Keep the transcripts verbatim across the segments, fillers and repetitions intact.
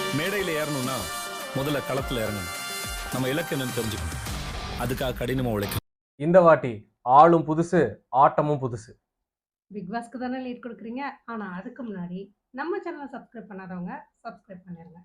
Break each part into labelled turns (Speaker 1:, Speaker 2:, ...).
Speaker 1: மேடையில் ஏறணும்னா முதல்ல களத்தில் இறங்கணும். நம்ம இலக்கு என்னன்னு தெரிஞ்சுக்கணும். அதுக்காக கடினமாக உழைக்கணும்.
Speaker 2: இந்த வாட்டி ஆளும் புதுசு, ஆட்டமும் புதுசு.
Speaker 3: பிக் பாஸ்க்கு தானே லீட் கொடுக்குறீங்க. ஆனா அதுக்கு முன்னாடி நம்ம சேனலை சப்ஸ்கிரைப் பண்ணாதவங்க சப்ஸ்கிரைப் பண்ணிருங்க.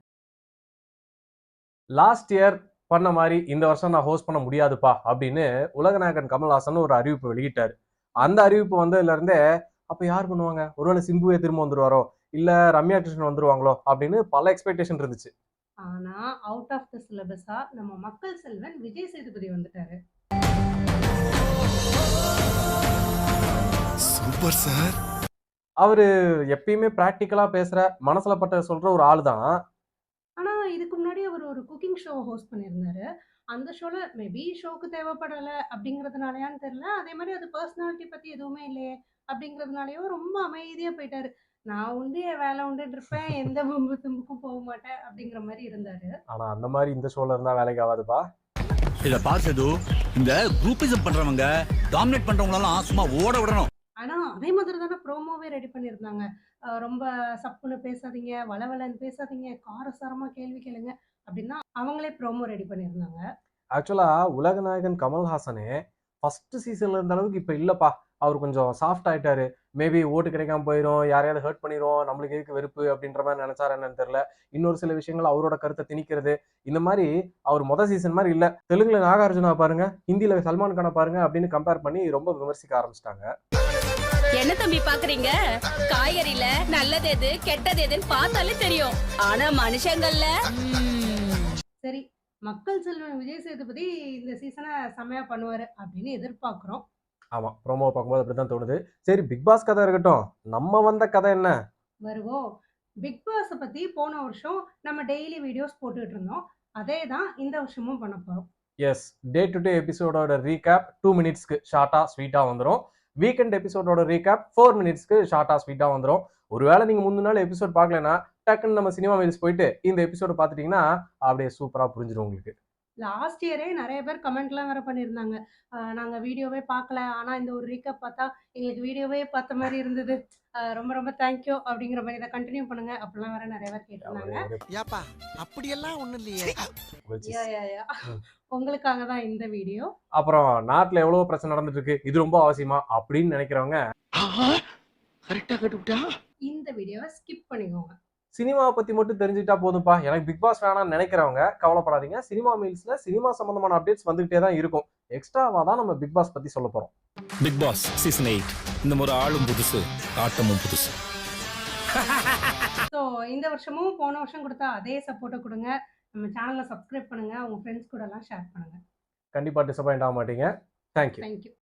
Speaker 2: லாஸ்ட் இயர் பண்ண மாதிரி இந்த வருஷம் நான் ஹோஸ்ட் பண்ண முடியாதுப்பா அப்படின்னு உலகநாயகன் கமல்ஹாசன் ஒரு அறிவிப்பு வெளியிட்டாரு. அந்த அறிவிப்பு வந்ததுல இருந்தே அப்ப யார் பண்ணுவாங்க, ஒருவேளை சிம்புவே திரும்ப வந்துருவாரோ இல்ல ரம்யா கிருஷ்ணன் வந்துருவாங்களோ அப்படின்னு பல எக்ஸ்பெக்டேஷன் இருந்துச்சு.
Speaker 3: ஆனா அவுட் ஆஃப் த சிலபஸா நம்ம மக்கள் செல்வன் விஜய் சேதுபதி வந்துட்டாரு.
Speaker 4: Super sir.
Speaker 2: அவரு எப்பயுமே பிராக்டிக்கலா பேசுற, மனசுல பட்ட சொல்ற ஒரு ஆள் தான்.
Speaker 3: ஆனா இதுக்கு முன்னாடி அவர் ஒரு குக்கிங் ஷோ ஹோஸ்ட் பண்ணியிருந்தாரு. அந்த ஷோல மேபி ஷோக்கு தேவைப்படல அப்படிங்கிறதுனாலயான்னு தெரியல. அதே மாதிரி அது பர்சனாலிட்டி பத்தி எதுவுமே இல்லையே அப்படிங்கிறதுனாலயோ ரொம்ப அமைதியா போயிட்டாரு. நான் உண்டு என் வேலை உண்டுன்னு இருப்பேன், எந்த வம்பு தும்புக்கும் போக மாட்டேன் அப்படிங்கிற மாதிரி இருந்தாரு.
Speaker 2: ஆனா அந்த மாதிரி இந்த ஷோல இருந்தா வேலைக்கு ஆகாதுப்பா.
Speaker 5: இத பார்த்தது இந்த குரூப்பிசம் பண்றவங்க, டாமினேட் பண்றவங்களெல்லாம் சும்மா ஓட விடணும்.
Speaker 3: ஆனா அதே மாதிரி தானே ப்ரோமோவே ரெடி பண்ணியிருந்தாங்க. அஹ் ரொம்ப சப்புன்னு பேசாதீங்க, வளவலன்னு பேசாதீங்க, காரசாரமா கேள்வி கேளுங்க அப்படின்னா அவங்களே ப்ரோமோ ரெடி பண்ணியிருந்தாங்க.
Speaker 2: ஆக்சுவலா உலகநாயகன் கமல்ஹாசனே ஃபர்ஸ்ட் சீசன்ல இருந்த அளவுக்கு இப்ப இல்லப்பா. அவர் கொஞ்சம் சாஃப்ட் ஆயிட்டாரு. மேபி ஓட்டு கிடைக்காம போயிடும், யாரையாவது ஹர்ட் பண்ணிடும், நம்மளுக்கு எதுக்கு வெறுப்பு அப்படின்ற மாதிரி நினைச்சாரு என்னன்னு தெரியல. இன்னொரு சில விஷயங்கள் அவரோட கருத்தை திணிக்கிறது, இந்த மாதிரி அவர் மொதல் சீசன் மாதிரி இல்ல. தெலுங்குல நாகார்ஜுனா பாருங்க, ஹிந்தியில சல்மான் கானை பாருங்க அப்படின்னு கம்பேர் பண்ணி ரொம்ப விமர்சிக்க ஆரம்பிச்சிட்டாங்க.
Speaker 6: என்ன தம்பி பாக்குறீங்க? காய்கறில நல்லது எது கெட்டது எதுன்னு பார்த்தாலே தெரியும். ஆனா மனுஷங்கள்ல
Speaker 3: சரி, மக்கள் செல்வன் விஜய் சேதுபதி இந்த சீசனை செமையா பண்ணுவாரு அப்படின்னு எதிர்பார்க்கிறோம்.
Speaker 2: ஆமா, ப்ரோமோ பார்க்கும்போது அப்படிதான் தோணுது. சரி, பிக் பாஸ் கதை இருக்கட்டும், நம்ம வந்த கதை என்ன?
Speaker 3: வருவோம். பிக் பாஸை பத்தி போன வருஷம் நம்ம டெய்லி வீடியோஸ் போட்டுட்டு இருந்தோம். அதே தான் இந்த வருஷமும் பண்ண போறோம்.
Speaker 2: எஸ், டே டு டே எபிசோடோட ரீகேப் டூ மினிட்ஸ்க்கு ஷார்ட்டா ஸ்வீட்டா வந்துடும். வீக்கெண்ட் எபிசோடோட ரீகேப் ஃபோர் மினிட்ஸ்க்கு ஷார்ட்டா ஸ்வீட்டா வந்துடும். ஒருவேளை நீங்க முந்தின நாள் எபிசோட் பார்க்கலன்னா டக்குன்னு நம்ம சினிமா மீல்ஸ் போயிட்டு இந்த எபிசோட பார்த்துட்டீங்கன்னா அப்படியே சூப்பரா புரிஞ்சிடும் உங்களுக்கு.
Speaker 3: லாஸ்ட் இயரே நிறைய பேர் கமெண்ட்லாம் வேற பண்ணியிருந்தாங்க. அஹ் நாங்க வீடியோவே பார்க்கல, ஆனா இந்த ஒரு ரீகேப் பார்த்தா எங்களுக்கு வீடியோவே பார்த்த மாதிரி இருந்தது, அஹ் ரொம்ப ரொம்ப தேங்க்யூ அப்படிங்கிற மாதிரி இதை கண்டினியூ பண்ணுங்க அப்படிலாம் வேற நிறைய பேர் கேட்டிருந்தாங்க.
Speaker 4: ஏப்பா அப்படியெல்லாம் ஒண்ணும் இல்லையே.
Speaker 3: யா, யா, யா. உங்களுக்காக தான் இந்த வீடியோ.
Speaker 2: அப்புறம் நாட்டுல எவ்வளவு பிரச்சனை நடந்துட்டு இருக்கு, இது ரொம்ப அவசியமா அப்படின்னு நினைக்கிறவங்க
Speaker 4: கரெக்டா கட்டுப்பிட்டா.
Speaker 3: இந்த வீடியோவை ஸ்கிப் பண்ணிக்கோங்க.
Speaker 2: சினிமாவை பத்தி மட்டும் தெரிஞ்சுக்கிட்டா போதும்பா, எனக்கு பிக் பாஸ் வேணாம்னு நினைக்கிறவங்க கவலைப்படாதீங்க. சினிமா மீல்ஸ்ல சினிமா சம்பந்தமான அப்டேட்ஸ் வந்துகிட்டே தான் இருக்கும். எக்ஸ்ட்ராவா தான் நம்ம பிக் பாஸ் பத்தி சொல்ல போறோம்.
Speaker 1: பிக் பாஸ் சீசன் எயிட் இந்த முறை ஆளும் புதுசு, ஆட்டமும் புதுசு.
Speaker 3: ஸோ இந்த வருஷமும் போன வருஷம் கொடுத்தா அதே சப்போர்ட்டை கொடுங்க. நம்ம சேனலை சப்ஸ்கிரைப் பண்ணுங்க, உங்க ஃப்ரெண்ட்ஸ் கூட எல்லாம் ஷேர் பண்ணுங்க.
Speaker 2: கண்டிப்பா டிசப்பாயிண்ட் ஆக மாட்டீங்க. தேங்க்யூ.
Speaker 3: தேங்க்யூ.